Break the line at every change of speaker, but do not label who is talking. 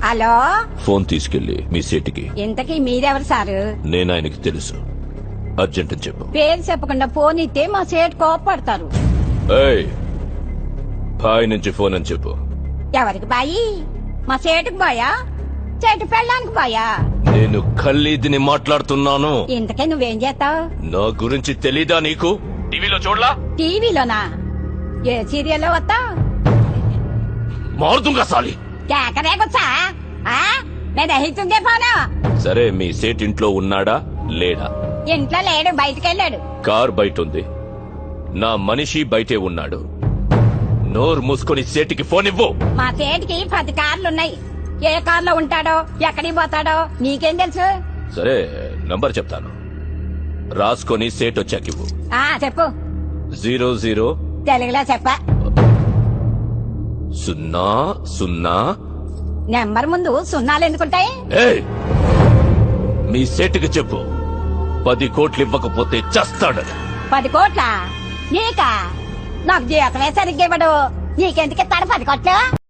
Hello,
phone తీసుకెళ్లి మీ సేటికి.
ఇంతకీ మీరెవరు సారు?
నేను ఆయనకి తెలుసు. అర్జెంట్ అని చెప్పు.
పేరు చెప్పకుండా ఫోన్ ఇస్తే మా సేటు కోపడతారు.
ఏయ్, బాయ్ నుంచి ఫోన్ అని చెప్పు.
ఎవరికి బాయి? మా సేటుకు బాయా, చెట్టు పెళ్ళానికి బాయా?
నేను ఖల్లీదిని మాట్లాడుతున్నాను.
ఇంతకీ నువ్వేం చేస్తావు?
నా గురించి తెలీదా నీకు? టీవీలో చూడలా?
టీవీలోనా? ఏ సీరియల్లో వస్తావు?
మారుతుంగా సాలి.
కేకరేకొచ్చా? నేను అహితుందే ఫోను.
సరే, మీ సేట్ ఇంట్లో ఉన్నాడా లేడా?
ఇంట్లో లేడు, బయటకెళ్ళాడు.
కార్ బయట ఉంది. నా మనిషి బయటే ఉన్నాడు. నోరు మూసుకొని సేటికి ఫోన్ ఇవ్వు.
మా సేటికి 10 కార్లున్నాయి. ఏ కార్లో ఉంటాడో, ఎక్కడికి పోతాడో నీకేం తెలుసు?
సరే, నంబర్ చెప్తాను, రాసుకొని సేట్ వచ్చాకివ్వు.
చెప్పు.
00
తెలుగులో చెప్పా.
00.
నెంబర్ ముందు సున్నాలు ఎందుకుంటాయి?
ఏయ్, మీ సేటుకి చెప్పు, 10 కోట్లు ఇవ్వకపోతే చస్తాడు.
10 కోట్ల? నీకా? నాకు జీతమే సరిగ్గా ఇవ్వడు. నీకెందుకు ఇస్తాడు 10 కోట్లు?